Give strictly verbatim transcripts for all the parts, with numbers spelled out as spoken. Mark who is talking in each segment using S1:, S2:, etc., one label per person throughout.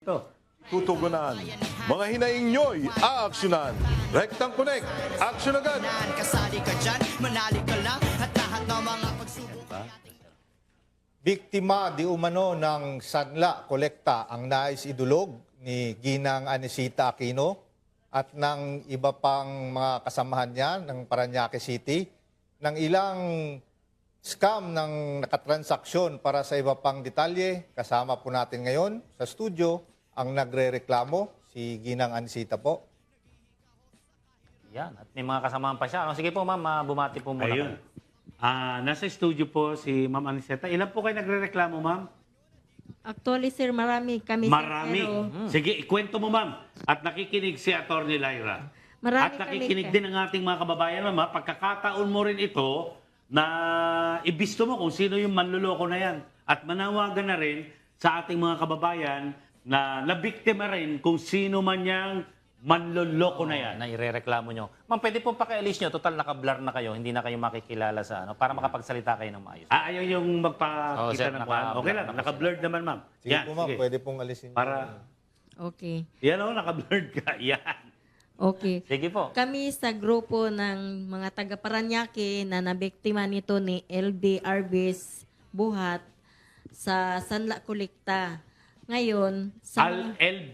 S1: Ito.
S2: Tutugunan. Mga hinaing nyo'y aaksyonan. Rectang Connect. Aksyon agad.
S3: Kasali ka dyan, manali ka lang at lahat ng mga pagsubok.
S4: Biktima di umano ng sanla kolekta ang nais idulog ni Ginang Anisita Aquino at ng iba pang mga kasamahan niya ng Parañaque City ng ilang scam ng nakatransaksyon. Para sa iba pang detalye, kasama po natin ngayon sa studio ang nagre-reklamo, si Ginang Anisita po.
S5: Yan, at may mga kasamahan pa siya. Ano? Sige po ma'am, ah, bumati po muna.
S1: Ayun. Ah, nasa studio po si Ma'am Aniseta. Ilan po kayo nagre-reklamo, ma'am?
S6: Actually, sir, marami kami. sir,
S1: Marami.
S6: pero
S1: Sige, ikwento mo, ma'am. At nakikinig si Attorney Lyra.
S6: Marami
S1: At nakikinig
S6: kami,
S1: din ang ating mga kababayan, ma'am. ha? Pagkakataon mo rin ito na ibisto mo kung sino yung manluloko na yan. At manawagan na rin sa ating mga kababayan na nabiktima rin kung sino man yang manloloko na yan.
S5: Na irereklamo nyo. Ma'am, pwede po pakialis nyo. Total, naka-blur na kayo. Hindi na kayo makikilala sa ano. Para makapagsalita kayo ng maayos.
S1: Ah, ayaw yung
S5: Oo,
S1: magpakita
S5: sir,
S1: ng
S5: naka-
S1: kwan. Okay lang,
S5: naka-
S1: naka-blurred naman, ma'am.
S4: Sige
S1: Yan,
S4: po ma'am,
S1: sige.
S4: pwede pong alisin.
S1: Para,
S6: Okay.
S1: yan o, naka-blurred ka. Yan.
S6: Okay.
S5: Sige po.
S6: Kami sa grupo ng mga taga Parañaque na nabiktima nito ni L B Arbis Buhat sa Sanla Kolekta. Ngayon, sa
S1: Al L B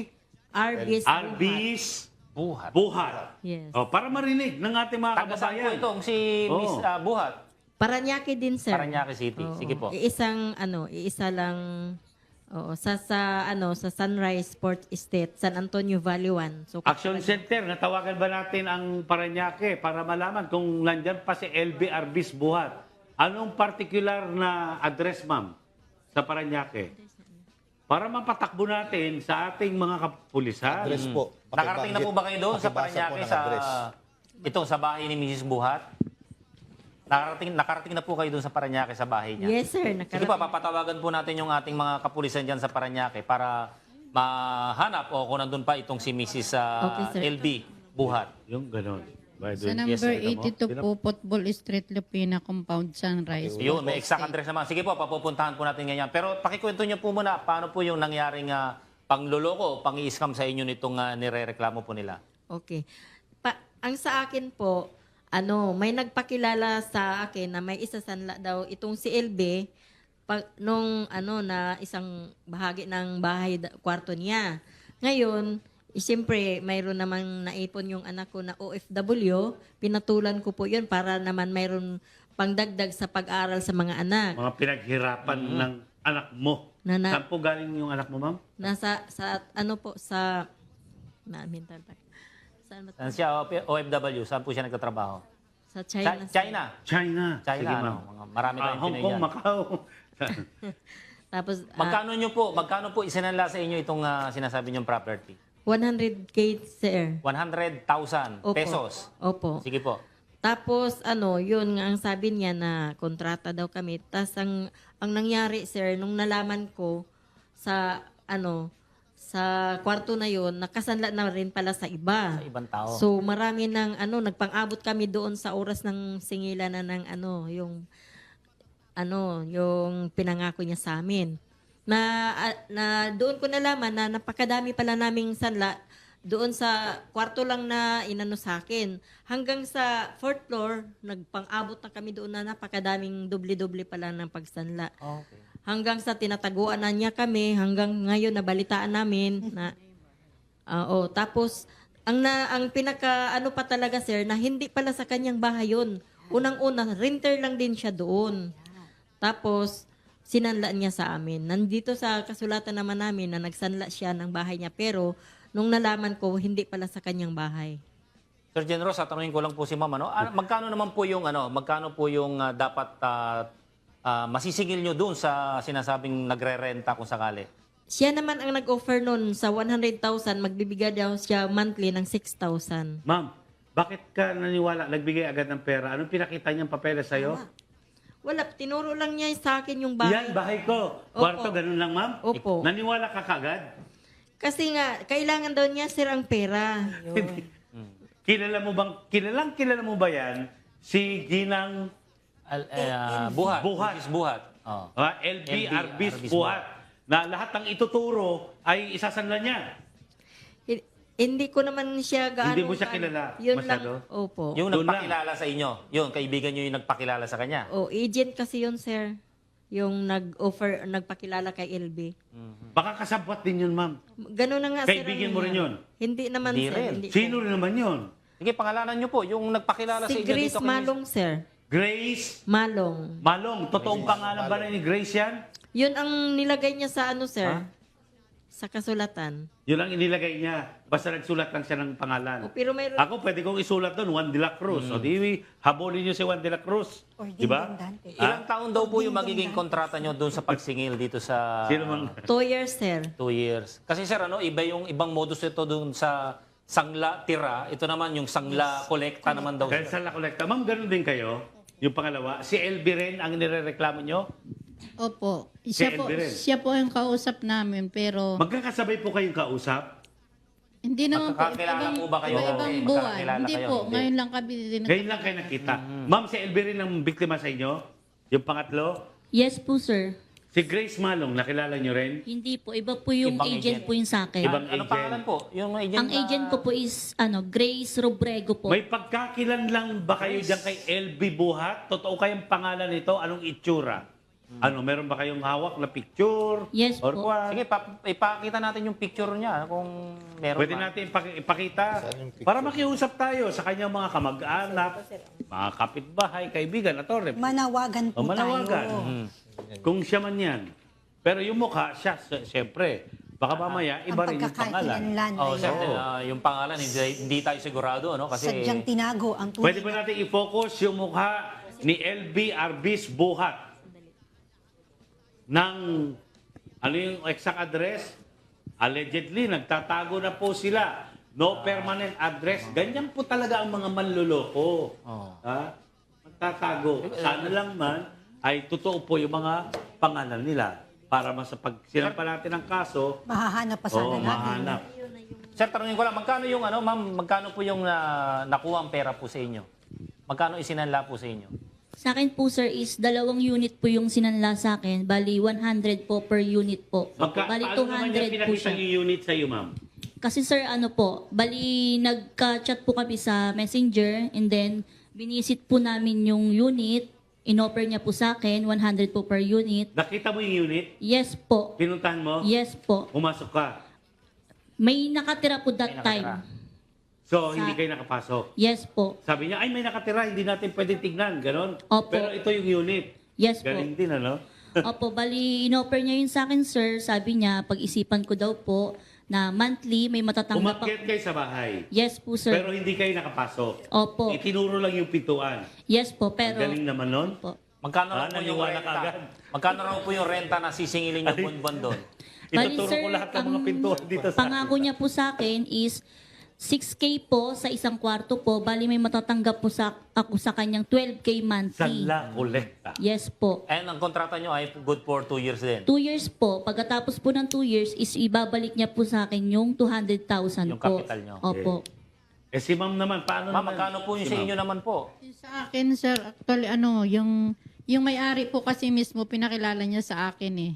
S6: Arbis Buhat.
S1: Arbis
S5: Buhat.
S1: Buhat.
S6: Yes.
S1: O, para marinig ng ating mga
S5: Taga saan po
S1: kababayan.
S5: itong si
S1: Oo.
S5: Miss ah, Buhat?
S6: Parañaque din, sir.
S5: Parañaque City.
S6: Oo.
S5: Sige po.
S6: Iisang, ano, iisa lang, oo, sa, sa, ano, sa Sunrise Sport Estate, San Antonio Valley one. So,
S1: Action Center, natawagan ba natin ang Parañaque para malaman kung nandyan pa si L B Arbis Buhat? Anong particular na address, ma'am, sa Parañaque? Para mapatakbo natin sa ating mga kapulisan.
S4: Address po.
S5: Nakarating na po ba kayo doon sa
S4: Pakibasa po
S5: Parañaque
S4: ng
S5: sa
S4: address.
S5: itong sa bahay ni Missus Buhat? Nakarating, nakarating na po kayo doon sa Parañaque sa bahay niya?
S6: Yes, sir.
S5: Sige
S6: Nakarating.
S5: pa, papatawagan po natin yung ating mga kapulisan dyan sa Parañaque para mahanap o kung nandun pa itong si Missus ah,
S6: Okay, sir.
S5: L B Buhat.
S1: Yung ganon. By the
S7: Sa
S1: way,
S7: number
S1: yes, sir,
S7: eighty-two
S1: mo?
S7: po, Football Street, Lupina Compound, Sunrise.
S5: Yun, may exact address naman. Sige po, papupuntahan po natin ganyan. Pero pakikwento niyo po muna, paano po yung nangyaring uh, pangloloko o pang-i-scam sa inyo nitong uh, nirereklamo po nila?
S6: Okay. Pa, ang sa akin po, ano, may nagpakilala sa akin na may isa sanla daw itong si L B pag, nung ano na isang bahagi ng bahay da- kwarto niya. Ngayon, eh, siyempre, mayroon namang naipon yung anak ko na O F W, pinatulan ko po yun para naman mayroon pangdagdag sa pag-aral sa mga anak.
S1: Mga pinaghirapan ng anak mo.
S6: Na- na-
S1: Saan po galing yung anak mo, ma'am?
S6: Nasa, sa, ano po, sa, na, mental pa. Saan ba?
S5: Saan siya, O F W? Saan po siya nagtatrabaho?
S6: Sa China.
S5: China.
S6: sir.
S5: China.
S1: China.
S5: China,
S1: Sige,
S5: ano?
S1: ma'am.
S5: Mga marami
S1: Ah,
S5: tayong
S1: Hong
S5: Pinoy
S1: Kong,
S5: dyan.
S1: Macau.
S6: Tapos, ah,
S5: Magkano nyo po, magkano po isinanla sa inyo itong ah, sinasabi nyong property?
S6: one hundred K, sir.
S5: one hundred thousand
S6: Opo.
S5: pesos.
S6: Opo.
S5: Sige po.
S6: Tapos, ano, yun nga ang sabi niya na kontrata daw kami. Tapos, ang, ang nangyari, sir, nung nalaman ko sa, ano, sa kwarto na yun, nakasanla na rin pala sa iba.
S5: Sa ibang tao.
S6: So, marami ng, ano, nagpang-abot kami doon sa oras ng singilan na ng, ano, yung, ano, yung pinangako niya sa amin. Na, ah, na doon ko nalaman na napakadami pala naming sanla doon sa kwarto lang na inano sa akin. Hanggang sa fourth floor, nagpang-abot na kami doon na napakadaming doble-doble pala ng pagsanla.
S5: Okay.
S6: Hanggang sa tinataguan na niya kami, hanggang ngayon nabalitaan namin na ah, oh, tapos ang na ang pinaka ano pa talaga, sir, na hindi pala sa kanyang bahay yun. Unang-una, renter lang din siya doon. Tapos sinanla niya sa amin. Nandito sa kasulatan naman namin na nagsanla siya ng bahay niya, pero nung nalaman ko, hindi pala sa kanyang bahay.
S5: Sir Generos, tatanungin ko lang po si Ma'am, ano, ah, magkano naman po yung ano, magkano po yung ah, dapat ah, ah, masisingil nyo doon sa sinasabing nagre-renta kung sakali?
S6: Siya naman ang nag-offer nun sa one hundred thousand, magbibigay daw siya monthly ng six thousand.
S1: Ma'am, bakit ka naniwala, nagbigay agad ng pera? Anong pinakita niyang papeles sa'yo?
S6: Wala, tinuro lang niya sa akin yung bahay.
S1: Yan, bahay ko. Kwarto, ganun lang, ma'am?
S6: Opo.
S1: Naniwala ka kagad?
S6: Kasi nga, kailangan daw niya, sir, ang pera.
S1: Kilala mo bang, kilalang kilala mo ba yan? Si Ginang
S5: Al, eh, ah, buhat.
S1: Buhat.
S5: Missus Buhat. Oh.
S1: ah, L B
S5: L B
S1: Arbis
S5: Arbis
S1: Buhat. Na lahat ng ituturo ay isasanla niya.
S6: Hi- Hindi ko naman siya gaano.
S1: Hindi mo siya kilala
S6: Yun
S1: masyado?
S6: lang. Opo.
S5: Yung
S1: Doon
S5: nagpakilala sa inyo, yung kaibigan nyo yung nagpakilala sa kanya.
S6: O, agent kasi yun, sir. Yung nag-offer, nagpakilala kay L B.
S1: Baka kasabwat din yun, ma'am.
S6: Ganun na nga, sir.
S1: Kaibigan
S6: ano
S1: mo rin
S6: yan.
S1: yun?
S6: Hindi naman,
S5: Hindi
S6: sir.
S5: rin.
S6: Hindi,
S1: Sino
S6: sir.
S1: rin naman yun?
S5: Sige, pangalanan nyo po, yung nagpakilala sa
S6: Si
S5: inyo
S6: Grace
S5: dito. kay Miss-
S6: Malong, sir.
S1: Grace
S6: Malong.
S1: Malong. Totoong pangalan ba ni Grace yan?
S6: Yun ang nilagay niya sa ano, sir?
S5: Ha?
S6: Sa kasulatan.
S1: Yun ang inilagay niya. Basta nagsulat lang siya ng pangalan.
S6: O, pero mayroon.
S1: Ako, pwede kong isulat doon, Juan de la Cruz. O di, habulin niyo si Juan de la Cruz. Di ba?
S5: Ilang taon daw po yung magiging kontrata nyo doon sa pagsingil dito sa
S1: Sino mang...
S6: Two years, sir.
S5: two years? Kasi sir, ano, iba yung ibang modus ito doon sa sangla tira. Ito naman yung sangla kolekta naman daw.
S1: Kaya
S5: sir.
S1: sa La Colecta, ma'am, ganun din kayo. Yung pangalawa, si L B rin ang nirereklamo nyo.
S7: Opo. Siya
S1: Si
S7: po,
S1: Elby rin.
S7: siya po yung kausap namin, pero
S1: Magkakasabay po kayong kausap.
S7: hindi naman po.
S5: Magkakakilala po ba kayo?
S7: Iba-ibang
S5: Okay,
S7: buwan.
S5: magkakakilala
S7: Hindi
S5: kayo?
S7: po.
S5: Hindi.
S7: Ngayon lang kami din.
S1: Ngayon lang kayo nakita. Ma'am, si L B rin ang biktima sa inyo? Yung pangatlo?
S8: Yes po, sir.
S1: Si Grace Malong, nakilala nyo rin?
S8: Hindi po. Iba po yung
S5: Ibang
S8: agent,
S5: agent.
S8: po yung sa akin.
S1: Ibang
S5: Ano
S1: agent.
S5: pangalan po? Yung agent
S8: Ang
S5: na-
S8: agent ko po is ano Grace Robrego po.
S1: May pagkakilan lang ba kayo dyan kay L B Buhat? Totoo kayong pangalan nito? Anong itsura? Ano, meron ba kayong hawak na picture?
S8: Yes
S1: Or
S8: po.
S1: what?
S5: Sige, pa, ipakita natin yung picture niya kung meron
S1: Pwede
S5: pa.
S1: natin ipak- ipakita
S4: Saan yung picture?
S1: para makiusap tayo sa kanyang mga kamag-anak, mga kapitbahay, kaibigan, attorney.
S9: Manawagan
S1: O
S9: po
S1: manawagan.
S9: tayo.
S1: Mhm. Kung siya man yan. Pero yung mukha, siya, sy- siyempre. Baka mamaya, iba
S9: Ang
S1: rin yung pangalan.
S9: pagkakakilanlan na
S5: Oh, sir,
S9: yun.
S5: ah, yung pangalan, hindi, hindi tayo sigurado, ano? Kasi
S9: Sadyang tinago ang tunay.
S1: Pwede ba natin i-focus yung mukha ni L B Arbis Buhat? Ng, ano yung exact address? Allegedly, nagtatago na po sila. No permanent address. Ganyan po talaga ang mga manluloko.
S5: Oh.
S1: Ha? Magtatago. Sana lang man ay totoo po yung mga pangalan nila para masapag sinampa natin ang kaso,
S9: Mahahanap pa sana
S1: oo,
S9: natin.
S1: mahanap.
S5: Sir, tanongin ko lang, magkano yung ano, ma'am, magkano po yung na, nakuha ang pera po sa inyo? Magkano isinanla po sa inyo?
S8: Sa akin po, sir, is dalawang unit po yung sinanla sa akin. Bali, one hundred po per unit po.
S1: Magka,
S8: Bali,
S1: paano naman niya
S8: two hundred po
S1: pinakita
S8: siya.
S1: yung unit sa iyo, ma'am?
S8: Kasi sir, ano po, bali, nagka-chat po kami sa messenger and then binisit po namin yung unit. In-offer niya po sa akin, one hundred po per unit.
S1: Nakita mo yung unit?
S8: Yes po.
S1: Pinuntahan mo?
S8: Yes po.
S1: Pumasok ka?
S8: May nakatira po that
S5: May
S8: time.
S5: nakatira.
S1: So,
S8: Sa-
S1: hindi kayo nakapasok?
S8: Yes po.
S1: Sabi niya, ay may nakatira, hindi natin pwede tignan, ganon.
S8: Opo.
S1: Pero ito yung unit.
S8: Yes po.
S1: Galing din, ano?
S8: Opo, bali, in-offer niya yun sa akin, sir. Sabi niya, pag-isipan ko daw po na monthly may matatanggap
S1: Umakyat
S8: ako.
S1: kayo sa bahay.
S8: Yes po, sir.
S1: Pero hindi kayo nakapasok.
S8: Opo.
S1: Itinuro lang yung pintuan.
S8: Yes po,
S1: Ang
S8: pero...
S1: galing naman nun.
S8: Opo.
S5: Magkano
S1: Ah,
S5: raw po yung
S1: naniwala ka
S5: renta?
S1: agad.
S5: Magkano raw po yung renta na sisingilin yung buwan-buwan doon?
S8: Bali,
S1: Ituturo
S8: sir,
S1: ko lahat ng mga
S8: ang
S1: pintuan dito sa
S8: Pangako niya po sa akin is six K po sa isang kwarto po. Bali, may matatanggap po sa ako sa kanyang twelve K
S1: Sa
S8: monthly.
S1: La Colecta.
S8: Yes po.
S5: And ang kontrata nyo ay good for two years din.
S8: Two years po. Pagkatapos po ng two years is ibabalik niya po sa akin yung two hundred thousand
S5: Yung
S8: po.
S5: capital niyo.
S8: Opo.
S1: Eh si ma'am naman, paano
S5: Ma'am,
S1: naman?
S5: magkano po yung
S1: Si
S5: sa
S1: ma'am?
S5: inyo naman po?
S7: Sa akin, sir, actually, ano, yung, yung may-ari po kasi mismo, pinakilala niya sa akin eh.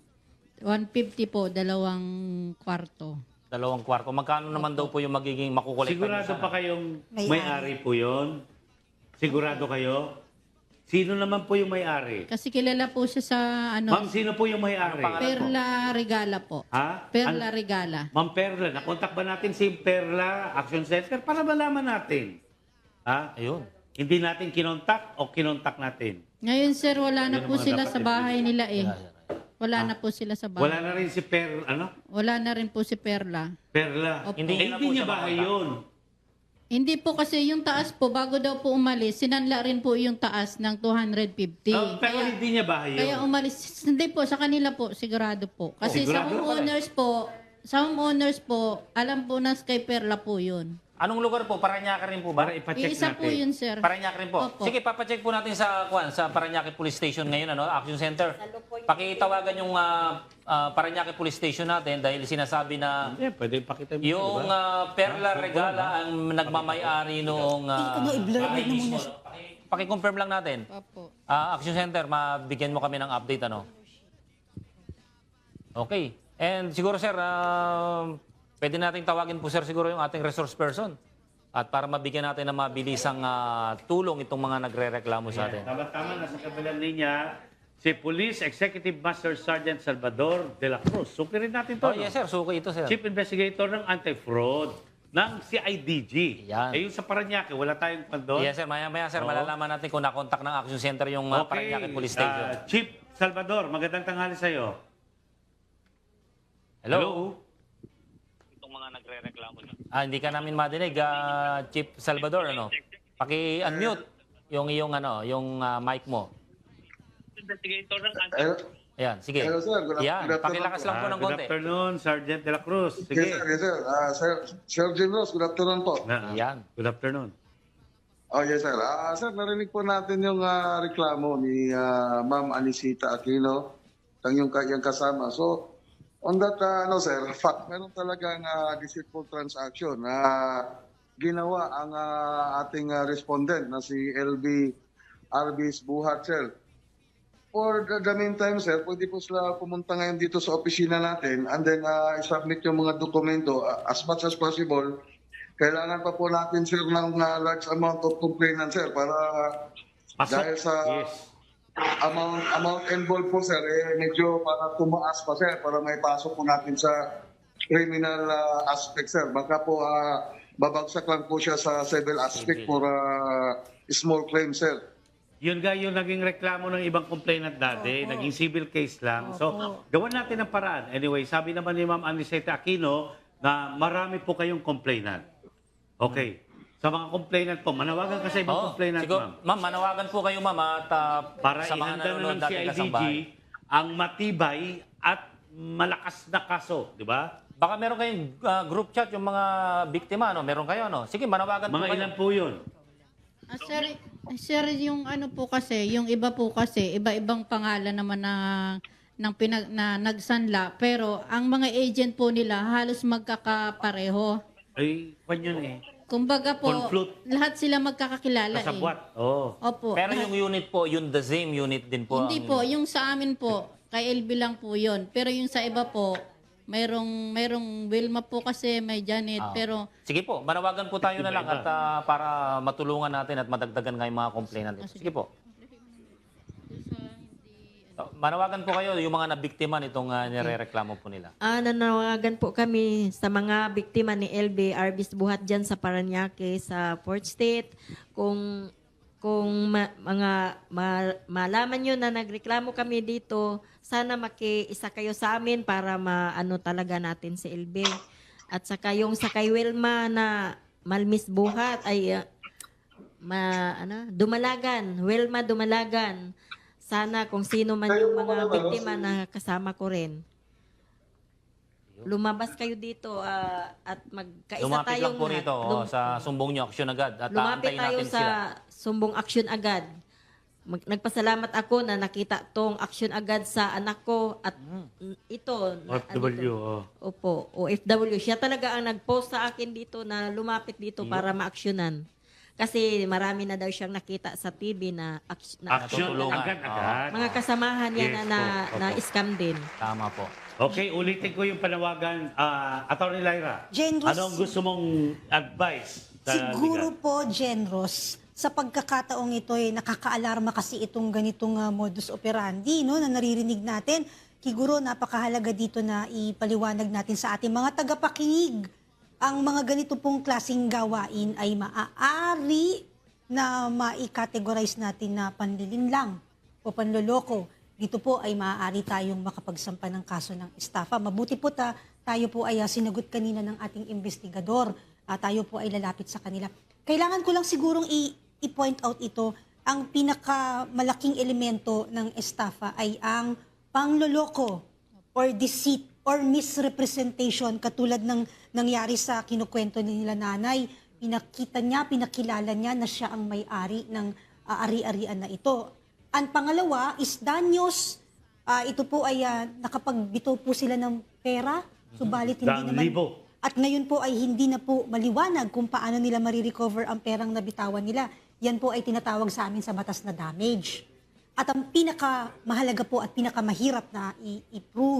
S7: one fifty po, dalawang kwarto.
S5: Dalawang kwarto. Magkano naman daw po yung magiging makukolekta nyo
S1: Sigurado
S5: sana?
S1: pa kayong
S9: May-ari.
S1: may-ari po yun? Sigurado kayo? Sino naman po yung may-ari?
S7: Kasi kilala po siya sa, ano,
S1: Ma'am, sino po yung may-ari?
S5: Ano pangalan?
S7: Perla Regala po.
S1: Ha?
S7: Perla
S1: An-
S7: Regala.
S1: Ma'am Perla, nakontak ba natin si Perla Action Center para malaman natin? Ha?
S5: Ayun.
S1: Hindi natin kinontak o kinontak natin?
S7: Ngayon, sir, wala na
S1: Yun ang
S7: po
S1: mga
S7: sila
S1: dapat
S7: sa bahay nila eh. Wala
S1: Ah.
S7: na po sila sa bahay.
S1: Wala na rin si Per, ano?
S7: Wala na rin po si Perla.
S1: Perla.
S7: Opo.
S5: Hindi
S1: Eh,
S5: niya na
S1: hindi
S5: po
S1: niya
S5: siya
S1: bahay
S5: makontak.
S1: yun.
S7: Hindi po kasi yung taas po, bago daw po umalis, sinanla rin po yung taas ng two hundred fifty.
S1: Oh, pero
S7: Kaya-
S1: hindi niya bahay yun.
S7: Kaya umalis, hindi po, sa kanila po, sigurado po. Kasi sa
S1: Sigurado?
S7: homeowners po, sa homeowners po, alam po na kay Perla po yun.
S5: Anong lugar po? Paranaque rin po ba?
S1: Para ipacheck
S7: Iisa
S1: natin.
S7: po yun, sir.
S5: Paranaque rin po.
S7: Opo.
S5: Sige, papacheck po natin sa Kwan, sa Paranaque Police Station ngayon, ano, Action Center. Pakitawagan yung uh, uh, Paranaque Police Station natin dahil sinasabi na
S1: Hindi, pwede ipakita mo.
S5: yung
S1: diba?
S5: uh, Perla Regala ang nagmamay-ari noong uh,
S9: Ano, i-blur
S5: bahay
S9: mo
S5: mismo.
S9: muna.
S5: Paki- Paki-confirm lang natin.
S7: Opo.
S5: Ah, Action Center, mabigyan mo kami ng update, ano? Okay. And siguro, sir, ah, pwede nating tawagin po, sir, siguro yung ating resource person. At para mabigyan natin ng mabilisang ah, tulong itong mga nagre-reklamo sa atin.
S1: Tama-tama, nasa kabilang linya, si Police Executive Master Sergeant Salvador de la Cruz. Suki rin natin to.
S5: Oh,
S1: no?
S5: yes, sir. Suki ito, sir.
S1: Chief Investigator ng Anti-Fraud ng C I D G.
S5: Yan.
S1: Eh, yung sa Paranaque, wala tayong pandon.
S5: Yes, sir. Maya-maya, sir.
S1: Oo.
S5: Malalaman natin kung nakontak ng Action Center yung uh, Parañaque Police Station.
S1: ah, Chief Salvador, magandang tanghali sa'yo.
S5: Hello? Itong mga nagre-reklamo niyo. Ah, hindi ka namin madinig, ah, Chief Salvador, ano? Paki-unmute yung iyong ano, yung ah, mic mo.
S10: Hello,
S5: Ayan, sige.
S10: hello sir. Good,
S5: Yan,
S10: good afternoon.
S5: pakilakas lang po
S1: Ah,
S5: ng
S1: good
S5: konti.
S1: afternoon, Sergeant de la Cruz.
S10: Yes
S1: Sige.
S10: sir, yes sir. Ah, sir, Sir Jim Ross, good afternoon po.
S1: Na,
S5: Yan.
S1: Good afternoon.
S10: Oh yes sir. Ah, sir, narinig po natin yung ah, reklamo ni ah, Ma'am Anisita Aquino, ang yung, yung kasama. So, on that, ah, ano sir, fact, meron talagang uh, deceitful transaction na ginawa ang ah, ating ah, respondent na si L B Arbis Buhat, sir. For the, the meantime, sir, pwede po sila pumunta ngayon dito sa opisina natin and then uh, i-submit yung mga dokumento uh, as much as possible. Kailangan pa po natin, sir, ng uh, large amount of complainant, sir, para
S1: Pasok.
S10: dahil sa
S1: Yes.
S10: amount amount involved po, sir, eh, medyo para tumaas pa, sir, para may pasok po natin sa criminal uh, aspect, sir. Baka po uh, babagsak lang po siya sa civil aspect for uh, small claim, sir.
S1: Yun nga yung naging reklamo ng ibang complainant dati, naging civil case lang. So, gawan natin ang paraan. Anyway, sabi naman ni Ma'am Aniseta Aquino na marami po kayong complainant. Okay. Sa mga complainant po, manawagan ka sa ibang
S5: Oh,
S1: complainant,
S5: siguro,
S1: ma'am.
S5: ma'am, manawagan po kayo, ma'am, at ah,
S1: Para
S5: sa mga
S1: ihanda na
S5: nanonood
S1: ng C
S5: dati
S1: I D G
S5: kasambahay.
S1: ang matibay at malakas na kaso, di ba?
S5: Baka meron kayong ah, group chat yung mga biktima, no? Meron kayo, no? Sige, manawagan po
S1: Mga
S5: kayo.
S1: ilan po yun?
S7: Ah, sir, sir, yung ano po kasi, yung iba po kasi, iba-ibang pangalan naman na ng pinag, na nagsanla, pero ang mga agent po nila halos magkakapareho.
S1: Ay, kwan yun eh.
S7: Kumbaga po,
S1: Conflute.
S7: lahat sila magkakakilala eh.
S1: Kasabwat. Oo.
S7: Opo.
S5: Pero yung unit po, yung the same unit din po.
S7: Hindi
S5: ang-
S7: po, yung sa amin po, kay L B lang po yun. Pero yung sa iba po, mayroong, mayroong Wilma po kasi, may Janet,
S5: Ah.
S7: pero
S5: Sige po, manawagan po tayo na lang at ah, para matulungan natin at madagdagan nga yung mga complainant.
S7: Ah,
S5: Dito. Sige po. So, manawagan po kayo yung mga nabiktima nitong uh, nirereklamo po nila.
S6: Ah, nanawagan po kami sa mga biktima ni L B Arbis Buhat dyan sa Paranaque, sa Port State. Kung kung ma- mga ma- malaman nyo na nagreklamo kami dito, sana makiisa kayo sa amin para maano talaga natin si L B. At saka yung sa kay Wilma na Malmis Buhat ay ah, ma, ano, Dumalagan, Wilma Dumalagan. Sana kung sino man yung mga biktima na kasama ko rin. Lumabas kayo dito ah, at magkaisa
S5: Lumapit
S6: tayong
S5: lang po rito oh,
S6: lum-
S5: sa sumbong nyo, aksyon agad. At
S6: lumapit
S5: aantayin
S6: tayo
S5: natin
S6: sa
S5: sila.
S6: sumbong aksyon agad. Mag- nagpasalamat ako na nakita tong aksyon agad sa anak ko at mm, ito.
S1: O
S6: na-
S1: F W.
S6: andito.
S1: Oh.
S6: Opo, O F W. Siya talaga ang nag-post sa akin dito na lumapit dito para ma-aksyonan. Kasi marami na daw siyang nakita sa T V na, aks- na
S1: Action
S5: Natutulungan.
S1: agad-agad.
S6: mga kasamahan niya
S1: Yes
S6: na, na,
S1: po,
S6: na
S1: opo.
S6: scam din.
S5: Tama po.
S1: Okay, ulitin ko yung panawagan. Ah, Attorney Lyra,
S9: Jen Ros-
S1: anong gusto mong advice? Sa
S9: Siguro
S1: legal?
S9: po, Genros, sa pagkakataong ito ay nakakaalarma kasi itong ganitong ah, modus operandi no, na naririnig natin. Siguro napakahalaga dito na ipaliwanag natin sa ating mga tagapakinig. Ang mga ganito pong klaseng gawain ay maaari na mai-categorize natin na panlilinlang o panloloko. Dito po ay maaari tayong makapagsampa ng kaso ng estafa. Mabuti po ta, tayo po ay ah, sinagot kanina ng ating investigador. Ah, tayo po ay lalapit sa kanila. Kailangan ko lang sigurong i- i-point out ito, ang pinakamalaking elemento ng estafa ay ang pangloloko or deceit or misrepresentation katulad ng nangyari sa kinukwento ni nila nanay. Pinakita niya, pinakilala niya na siya ang may-ari ng ah, ari-arian na ito. Ang pangalawa is danyos. Ah, ito po ay ah, nakapagbito po sila ng pera, subalit hindi
S1: Daang
S9: naman...
S1: libo.
S9: At ngayon po ay hindi na po maliwanag kung paano nila marirecover ang perang nabitawan nila. Yan po ay tinatawag sa amin sa batas na damage. At ang pinakamahalaga po at pinakamahirap na i- i-prove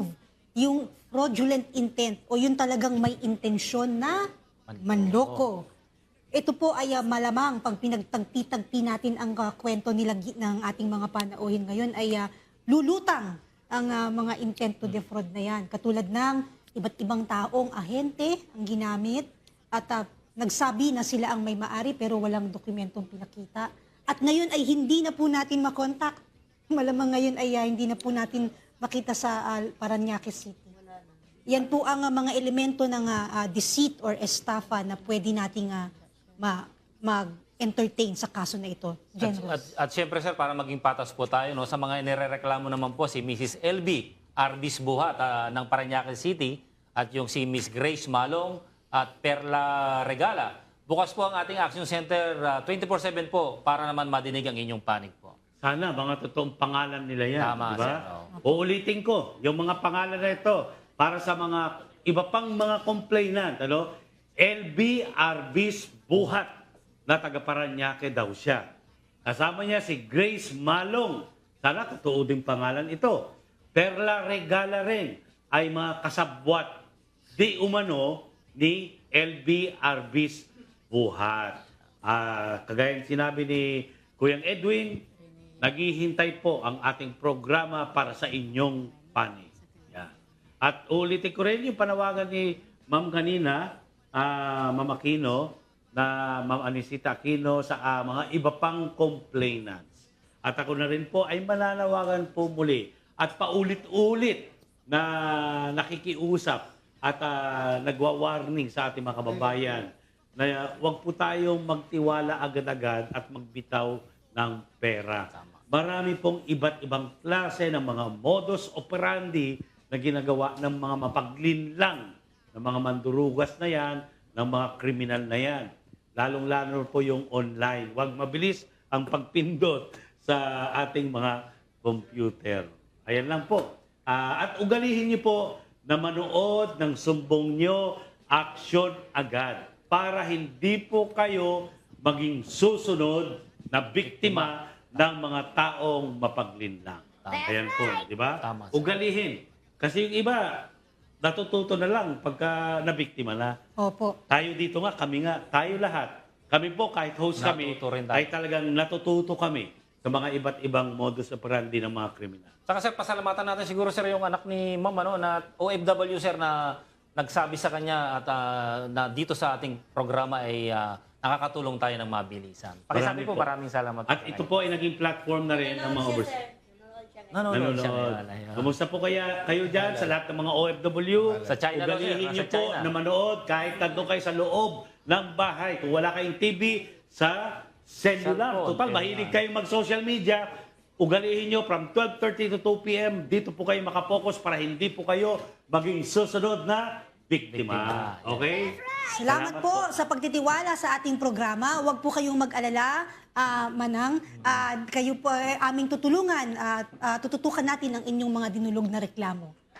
S9: yung fraudulent intent o yung talagang may intensyon na manloko. Ito po ay ah, malamang pag pinagtagpi-tagpi natin ang ah, kwento nila gi- ng ating mga panauhin ngayon ay ah, lulutang ang ah, mga intent to defraud na yan. Katulad ng iba't ibang taong ahente ang ginamit at ah, nagsabi na sila ang may maari pero walang dokumentong pinakita. At ngayon ay hindi na po natin makontak. Malamang ngayon ay ah, hindi na po natin makita sa ah, Parañaque City. Yan po ang ah, mga elemento ng ah, ah, deceit or estafa na pwede nating ah, ma- mag-entertain sa kaso na ito.
S5: At,
S9: General.
S5: at, at syempre sir, para maging patas po tayo, no, sa mga inirereklamo naman po si Missus L B Arbis Buhat ah, ng Parañaque City at yung si Miss Grace Malong at Perla Regala. Bukas po ang ating Action Center ah, twenty-four seven po para naman madinig ang inyong panig po.
S1: Sana mga totoong pangalan nila yan.
S5: Tama,
S1: di ba?
S5: sir, oo.
S1: Uulitin ko, yung mga pangalan na ito, para sa mga iba pang mga complainant, ano? L B Arbis Buhat na taga Parañaque daw siya. Kasama niya si Grace Malong. Sana totoo din pangalan ito. Perla Regala rin ay mga kasabwat di umano ni L B Arbis Buhat. Ah, kagaya ng sinabi ni Kuyang Edwin, naghihintay po ang ating programa para sa inyong panig. Yan. At ulitin ko rin yung panawagan ni Ma'am kanina, ah, Ma'am Aquino, na Ma'am Anisita Aquino sa ah, mga iba pang complainants. At ako na rin po ay mananawagan po muli at paulit-ulit na nakikiusap at ah, nagwa-warning sa ating mga kababayan na huwag po tayong magtiwala agad-agad at magbitaw ng pera. Marami pong iba't ibang klase ng mga modus operandi na ginagawa ng mga mapaglinlang ng mga mandurugas na yan, ng mga kriminal na yan. Lalong-lalo po yung online. Huwag mabilis ang pagpindot sa ating mga computer. Ayan lang po. Ah, at ugalihin niyo po na manood ng sumbong nyo, action agad. Para hindi po kayo maging susunod na biktima ng mga taong mapaglinlang. Ayan po, di ba?
S5: Tama, sir.
S1: Ugalihin. Kasi yung iba, natututo na lang pagka nabiktima na.
S9: Opo.
S1: Tayo dito nga, kami nga, tayo lahat. Kami po, kahit host kami,
S5: Natuto rin tayo.
S1: ay talagang natututo kami sa mga iba't ibang modus operandi ng mga kriminal.
S5: Saka sir, pasalamatan natin siguro sir yung anak ni Ma'am ano, na O F W sir na nagsabi sa kanya at ah, na dito sa ating programa ay ah, nakakatulong tayo ng mabilisan. Pakisabi
S1: Marami
S5: po,
S1: po.
S5: maraming salamat.
S1: At ito po ay naging platform na rin ng mga overseas.
S5: Nanonood siya
S1: Nanonood.
S5: ngayon. Ayun.
S1: Kumusta po kaya kayo dyan sa lahat ng mga O F W?
S5: Sa China daw, sir.
S1: Ugalihin
S5: Nasa
S1: niyo po
S5: China.
S1: na manood kahit tanto kayo sa loob ng bahay. Kung wala kayong T V, sa cellular.
S5: Cellphone,
S1: Total,
S5: kaya
S1: mahilig
S5: nga.
S1: kayong mag-social media. Ugalihin nyo from twelve thirty to two p m Dito po kayo makapokus para hindi po kayo maging susunod na biktima.
S5: Biktima.
S1: Okay?
S9: Salamat po sa pagtitiwala sa ating programa. Huwag po kayong mag-alala, ah, Manang. Ah, kayo po ay aming tutulungan at ah, tututukan natin ang inyong mga dinulog na reklamo.